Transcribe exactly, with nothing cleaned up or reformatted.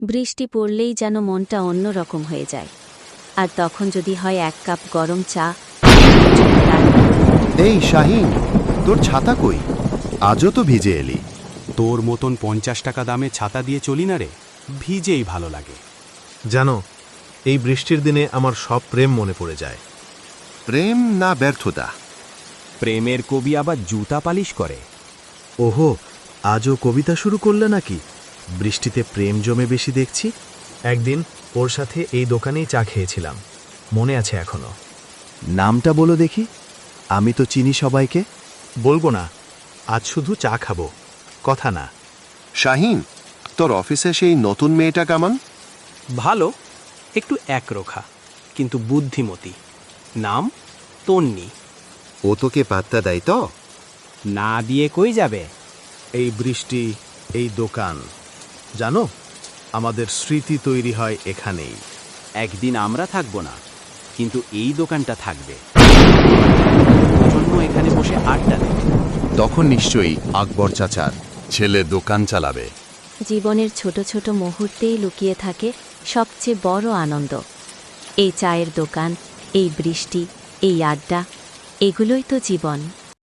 বৃষ্টি পড়লেই যেন মনটা অন্যরকম হয়ে যায়। আর তখন যদি হয় এক কাপ গরম চা। এই শাহিন, তোর ছাতা কই? আজও তো ভিজে এলি। তোর মতন পঞ্চাশ টাকা দামে ছাতা দিয়ে চলি না রে, ভিজেই ভালো লাগে। জানো, এই বৃষ্টির দিনে আমার সব প্রেম মনে পড়ে যায়। প্রেম না ব্যর্থতা? প্রেমের কবি আবার জুতা পালিশ করে। ওহো, আজও কবিতা শুরু করলে নাকি? বৃষ্টিতে প্রেম জমে বেশি দেখছি। একদিন ওর সাথে এই দোকানেই চা খেয়েছিলাম, মনে আছে এখনো। নামটা বলো দেখি, আমি তো চিনি সবাইকে। বলবো না, আজ শুধু চা খাবো, কথা না। শাহিন, তোর অফিসে সেই নতুন মেয়েটা কেমন? ভালো, একটু একরোখা, কিন্তু বুদ্ধিমতী। নাম তন্নি। ও তোকে পাত্তা দেয় তো? না দিয়ে কই যাবে? এই বৃষ্টি, এই দোকান, জানো, আমাদের স্মৃতি তৈরি হয় এখানেই। একদিন আমরা থাকবো না, কিন্তু এই দোকানটা থাকবে। জন্য এখানে বসে আড্ডা দেবে। তখন নিশ্চয়ই আকবর চাচার ছেলে দোকান চালাবে। জীবনের ছোট ছোট মুহূর্তেই লুকিয়ে থাকে সবচেয়ে বড় আনন্দ। এই চায়ের দোকান, এই বৃষ্টি, এই আড্ডা, এগুলোই তো জীবন।